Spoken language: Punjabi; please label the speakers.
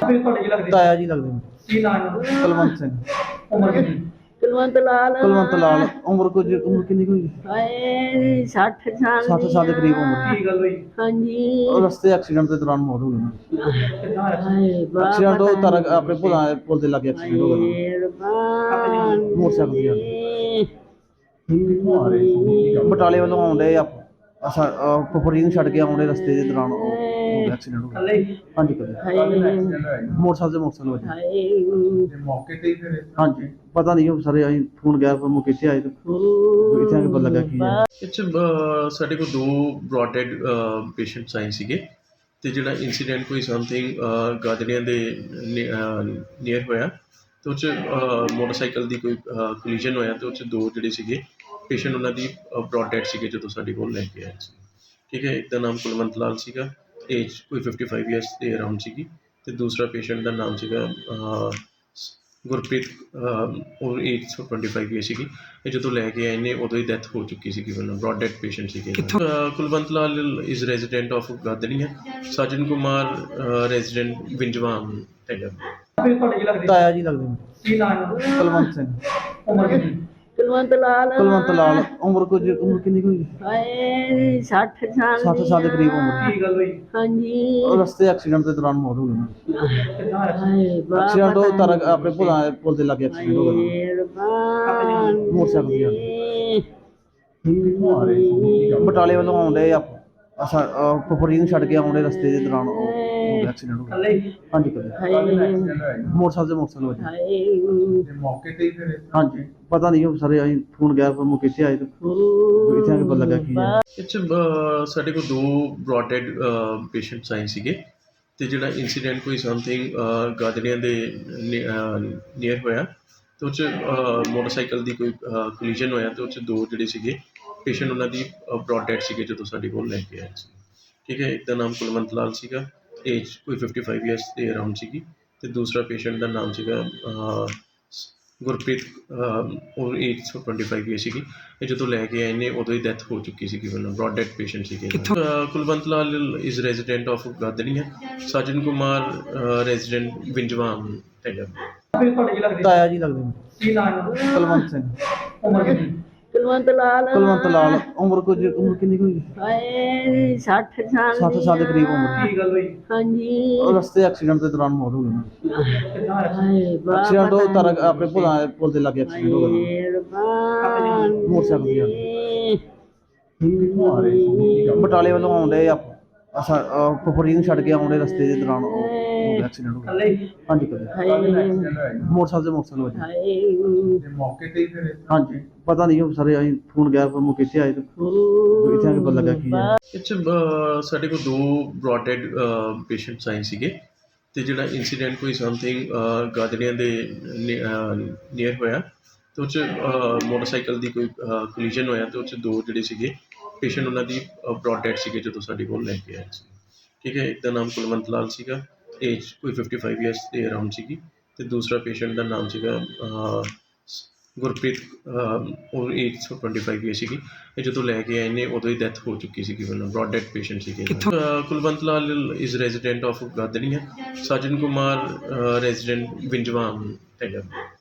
Speaker 1: ਫਿਰ ਤੁਹਾਡੇ ਕੀ ਲੱਗਦੇ?
Speaker 2: ਤਾਇਆ ਜੀ ਲੱਗਦੇ ਨੇ।
Speaker 1: ਕੀ ਨਾਮ ਹੈ?
Speaker 2: ਕੁਲਵੰਤ ਸਿੰਘ।
Speaker 1: ਉਮਰ ਕਿੰਨੀ?
Speaker 3: ਕੁਲਵੰਤ
Speaker 2: ਲਾਲ ਉਮਰ ਕਿੰਨੀ ਕੁ ਹੋਈ?
Speaker 3: ਹਾਏ 60 ਸਾਲ
Speaker 2: 60 ਸਾਲ ਦੇ ਕਰੀਬ ਉਮਰ।
Speaker 1: ਕੀ ਗੱਲ ਹੋਈ?
Speaker 3: ਹਾਂਜੀ
Speaker 2: ਉਹ ਰਸਤੇ ਐਕਸੀਡੈਂਟ ਦੇ ਦੌਰਾਨ ਮੌਤ ਹੋ ਗਈ ਉਹਨਾਂ ਦੀ।
Speaker 1: ਕਿੱਦਾਂ ਹੋਇਆ?
Speaker 3: ਹਾਏ
Speaker 2: ਐਕਸੀਡੈਂਟ ਉਹ ਤਾਰਾ ਆਪਣੇ ਪੁਲ ਦੇ ਲਾਗੇ ਐਕਸੀਡੈਂਟ ਹੋ ਗਿਆ। ਮੋਟਰਸਾਈਕਲ ਦੀ ਬਟਾਲੇ ਵੱਲੋਂ ਆਉਂਦੇ ਫੁੱਫੜ ਜੀ ਨੂੰ ਛੱਡ ਕੇ ਆਉਂਦੇ ਰਸਤੇ ਦੇ ਦੌਰਾਨ ਐਕਸੀਡੈਂਟ ਹੋ ਗਿਆ।
Speaker 1: ਕੱਲੇ ਹੀ?
Speaker 2: ਹਾਂਜੀ ਕੱਲੇ ਮੋਟਰਸਾਈਕਲ ਵੱਜੇ।
Speaker 3: ਹਾਏ
Speaker 1: ਮੌਕੇ ਤੇ ਹੀ ਫਿਰ
Speaker 2: ਹਾਂਜੀ ਪਤਾ ਨਹੀਂ ਉਹ ਸਾਰੇ ਅਸੀਂ ਫੋਨ ਗਿਆ ਪਰ ਮੌਕੇ ਤੇ ਆਏ ਤੇ ਇੱਥੇ ਆ ਕੇ ਪਤਾ ਲੱਗਾ ਕੀ ਹੈ।
Speaker 4: ਇਹ 'ਚ ਸਾਡੇ ਕੋਲ ਦੋ ਬ੍ਰੌਡ ਡੈਡ ਪੇਸ਼ੈਂਟਸ ਆਏ ਸੀਗੇ ਅਤੇ ਜਿਹੜਾ ਇੰਸੀਡੈਂਟ ਕੋਈ ਸਮਥਿੰਗ ਗਾਜੜੀਆਂ ਦੇ ਨੀਅਰ ਹੋਇਆ ਅਤੇ ਉਹ 'ਚ ਮੋਟਰਸਾਈਕਲ ਦੀ ਕੋਈ ਕੋਲੀਜਨ ਹੋਇਆ ਅਤੇ ਉਹ 'ਚ ਦੋ ਜਿਹੜੇ ਸੀਗੇ ਪੇਸ਼ੈਂਟ ਉਹਨਾਂ ਦੀ ਬ੍ਰੌਡ ਡੈਡ ਸੀਗੇ ਜਦੋਂ ਸਾਡੇ ਕੋਲ ਲੈ ਕੇ ਆਏ ਸੀ। ਠੀਕ ਹੈ, ਇੱਕ ਦਾ ਨਾਮ ਕੁਲਵੰਤ ਲਾਲ ਸੀਗਾ, ਏਜ ਕੋਈ 55 ਈਅਰਸ ਦੇ ਅਰਾਊਂਡ ਸੀਗੀ, ਅਤੇ ਦੂਸਰਾ ਪੇਸ਼ੈਂਟ ਦਾ ਨਾਮ ਸੀਗਾ ਗੁਰਪ੍ਰੀਤ, ਉਹ ਏਜ 25 ਈਅਰ ਸੀਗੀ। ਇਹ ਜਦੋਂ ਲੈ ਕੇ ਆਏ ਨੇ ਉਦੋਂ ਹੀ ਡੈਥ ਹੋ ਚੁੱਕੀ ਸੀਗੀ, ਪਹਿਲਾਂ ਬ੍ਰੌਡ ਡੈਡ ਪੇਸ਼ੈਂਟ ਸੀਗੇ। Kulwant Lal is resident of Gadarian, Sajan Kumar resident ਵਿੰਜਵਾਨ ਹੈਗਾ।
Speaker 1: ਫਿਰ ਤੁਹਾਡੇ ਕੀ ਲੱਗਦੇ?
Speaker 2: ਤਾਇਆ ਜੀ ਲੱਗਦੇ ਨੇ।
Speaker 1: ਕੀ ਨਾਮ ਹੈ?
Speaker 2: ਕੁਲਵੰਤ ਸਿੰਘ।
Speaker 1: ਉਮਰ ਕਿੰਨੀ?
Speaker 3: ਕੁਲਵੰਤ ਲਾਲ
Speaker 2: ਉਮਰ ਕਿੰਨੀ ਕੁ ਹੋਈ?
Speaker 3: ਹਾਏ 60 ਸਾਲ
Speaker 2: 60 ਸਾਲ ਦੇ ਕਰੀਬ ਉਮਰ।
Speaker 1: ਕੀ ਗੱਲ ਹੋਈ?
Speaker 3: ਹਾਂਜੀ
Speaker 2: ਉਹ ਰਸਤੇ ਐਕਸੀਡੈਂਟ ਦੇ ਦੌਰਾਨ ਮੌਤ ਹੋ ਗਈ ਉਹਨਾਂ ਦੀ।
Speaker 1: ਕਿੱਦਾਂ ਹੋਇਆ?
Speaker 3: ਹਾਏ
Speaker 2: ਐਕਸੀਡੈਂਟ ਉਹ ਤਾਰਾ ਆਪਣੇ ਪੁਲ ਦੇ ਲਾਗੇ ਐਕਸੀਡੈਂਟ ਹੋ ਗਿਆ। ਮੋਟਰਸਾਈਕਲ ਦੀ ਬਟਾਲੇ ਵੱਲੋਂ ਆਉਂਦੇ ਫੁੱਫੜ ਜੀ ਨੂੰ ਛੱਡ ਕੇ ਆਉਂਦੇ ਰਸਤੇ ਦੇ ਦੌਰਾਨ ਐਕਸੀਡੈਂਟ ਹੋ ਗਿਆ।
Speaker 1: ਕੱਲੇ ਹੀ?
Speaker 2: ਹਾਂਜੀ ਕੱਲੇ ਮੋਟਰਸਾਈਕਲ ਵੱਜੇ।
Speaker 3: ਹਾਏ
Speaker 1: ਮੌਕੇ ਤੇ ਹੀ ਫਿਰ
Speaker 2: ਹਾਂਜੀ ਪਤਾ ਨਹੀਂ ਉਹ ਸਾਰੇ ਅਸੀਂ ਫੋਨ ਗਿਆ ਪਰ ਮੌਕੇ ਤੇ ਆਏ ਤੇ ਇੱਥੇ ਆ ਕੇ ਪਤਾ ਲੱਗਾ ਕੀ ਹੈ।
Speaker 4: ਇਹ 'ਚ ਸਾਡੇ ਕੋਲ ਦੋ ਬ੍ਰੌਡ ਡੈਡ ਪੇਸ਼ੈਂਟਸ ਆਏ ਸੀਗੇ ਅਤੇ ਜਿਹੜਾ ਇੰਸੀਡੈਂਟ ਕੋਈ ਸਮਥਿੰਗ ਗਾਜੜੀਆਂ ਦੇ ਨੀਅਰ ਹੋਇਆ ਅਤੇ ਉਹ 'ਚ ਮੋਟਰਸਾਈਕਲ ਦੀ ਕੋਈ ਕੋਲੀਜਨ ਹੋਇਆ ਅਤੇ ਉਹ 'ਚ ਦੋ ਜਿਹੜੇ ਸੀਗੇ ਪੇਸ਼ੈਂਟ ਉਹਨਾਂ ਦੀ ਬ੍ਰੌਡ ਡੈਡ ਸੀਗੇ ਜਦੋਂ ਸਾਡੇ ਕੋਲ ਲੈ ਕੇ ਆਏ ਸੀ। ਠੀਕ ਹੈ, ਇੱਕ ਦਾ ਨਾਮ ਕੁਲਵੰਤ ਲਾਲ ਸੀਗਾ, ਏਜ ਕੋਈ 55 ਈਅਰਸ ਦੇ ਅਰਾਊਂਡ ਸੀਗੀ, ਅਤੇ ਦੂਸਰਾ ਪੇਸ਼ੈਂਟ ਦਾ ਨਾਮ ਸੀਗਾ ਗੁਰਪ੍ਰੀਤ, ਉਹ ਏਜ 25 ਈਅਰ ਸੀਗੀ। ਇਹ ਜਦੋਂ ਲੈ ਕੇ ਆਏ ਨੇ ਉਦੋਂ ਹੀ ਡੈਥ ਹੋ ਚੁੱਕੀ ਸੀਗੀ, ਪਹਿਲਾਂ ਬ੍ਰੌਡ ਡੈਡ ਪੇਸ਼ੈਂਟ ਸੀਗੇ। Kulwant Lal is resident of Gadarian, Sajan Kumar resident ਵਿੰਜਵਾਨ ਹੈਗਾ।
Speaker 1: ਫਿਰ ਤੁਹਾਡੇ ਕੀ ਲੱਗਦੇ?
Speaker 2: ਤਾਇਆ ਜੀ ਲੱਗਦੇ ਨੇ।
Speaker 1: ਕੀ ਨਾਮ ਹੈ?
Speaker 2: ਕੁਲਵੰਤ ਸਿੰਘ।
Speaker 1: ਉਮਰ ਕਿੰਨੀ?
Speaker 3: ਕੁਲਵੰਤ ਲਾਲ
Speaker 2: ਉਮਰ ਕਿੰਨੀ ਕੁ ਹੋਈ?
Speaker 3: ਹਾਏ 60 ਸਾਲ
Speaker 2: 60 ਸਾਲ ਦੇ ਕਰੀਬ ਉਮਰ।
Speaker 1: ਕੀ ਗੱਲ ਹੋਈ?
Speaker 3: ਹਾਂਜੀ
Speaker 2: ਉਹ ਰਸਤੇ ਐਕਸੀਡੈਂਟ ਦੇ ਦੌਰਾਨ ਮੌਤ ਹੋ ਗਈ ਉਹਨਾਂ ਦੀ।
Speaker 1: ਕਿੱਦਾਂ ਹੋਇਆ?
Speaker 3: ਹਾਏ
Speaker 2: ਐਕਸੀਡੈਂਟ ਉਹ ਤਾਰਾ ਆਪਣੇ ਪੁਲ ਦੇ ਲਾਗੇ ਐਕਸੀਡੈਂਟ ਹੋ ਗਿਆ। ਮੋਟਰਸਾਈਕਲ ਦੀ ਬਟਾਲੇ ਵੱਲੋਂ ਆਉਂਦੇ ਫੁੱਫੜ ਜੀ ਨੂੰ ਛੱਡ ਕੇ ਆਉਂਦੇ ਰਸਤੇ ਦੇ ਦੌਰਾਨ ਐਕਸੀਡੈਂਟ ਹੋ ਗਿਆ।
Speaker 1: ਕੱਲੇ ਹੀ?
Speaker 2: ਹਾਂਜੀ ਕੱਲੇ ਮੋਟਰਸਾਈਕਲ ਵੱਜੇ।
Speaker 3: ਹਾਏ
Speaker 1: ਮੌਕੇ ਤੇ ਹੀ ਫਿਰ
Speaker 2: ਹਾਂਜੀ ਪਤਾ ਨਹੀਂ ਉਹ ਸਾਰੇ ਅਸੀਂ ਫੋਨ ਗਿਆ ਪਰ ਮੌਕੇ ਤੇ ਆਏ ਤੇ ਇੱਥੇ ਆ ਕੇ ਪਤਾ ਲੱਗਾ ਕੀ ਹੈ।
Speaker 4: ਇਹ 'ਚ ਸਾਡੇ ਕੋਲ ਦੋ ਬ੍ਰੌਡ ਡੈਡ ਪੇਸ਼ੈਂਟਸ ਆਏ ਸੀਗੇ ਅਤੇ ਜਿਹੜਾ ਇੰਸੀਡੈਂਟ ਕੋਈ ਸਮਥਿੰਗ ਗਾਜੜੀਆਂ ਦੇ ਨੀਅਰ ਹੋਇਆ ਅਤੇ ਉਹ 'ਚ ਮੋਟਰਸਾਈਕਲ ਦੀ ਕੋਈ ਕੋਲੀਜਨ ਹੋਇਆ ਅਤੇ ਉਹ 'ਚ ਦੋ ਜਿਹੜੇ ਸੀਗੇ ਪੇਸ਼ੈਂਟ ਉਹਨਾਂ ਦੀ ਬ੍ਰੌਡ ਡੈਡ ਸੀਗੇ ਜਦੋਂ ਸਾਡੇ ਕੋਲ ਲੈ ਕੇ ਆਏ ਸੀ। ਠੀਕ ਹੈ, ਇੱਕ ਦਾ ਨਾਮ ਕੁਲਵੰਤ ਲਾਲ ਸੀਗਾ, ਏਜ ਕੋਈ 55 ਈਅਰਸ ਦੇ ਅਰਾਊਂਡ ਸੀਗੀ, ਅਤੇ ਦੂਸਰਾ ਪੇਸ਼ੈਂਟ ਦਾ ਨਾਮ ਸੀਗਾ ਗੁਰਪ੍ਰੀਤ, ਉਹ ਏਜ 25 ਈਅਰ ਸੀਗੀ। ਇਹ ਜਦੋਂ ਲੈ ਕੇ ਆਏ ਨੇ ਉਦੋਂ ਹੀ ਡੈਥ ਹੋ ਚੁੱਕੀ ਸੀਗੀ, ਪਹਿਲਾਂ ਬ੍ਰੌਡ ਡੈਡ ਪੇਸ਼ੈਂਟ ਸੀਗੇ। Kulwant Lal is resident of Gadarian, Sajan Kumar resident ਵਿੰਜਵਾਨ ਹੈਗਾ।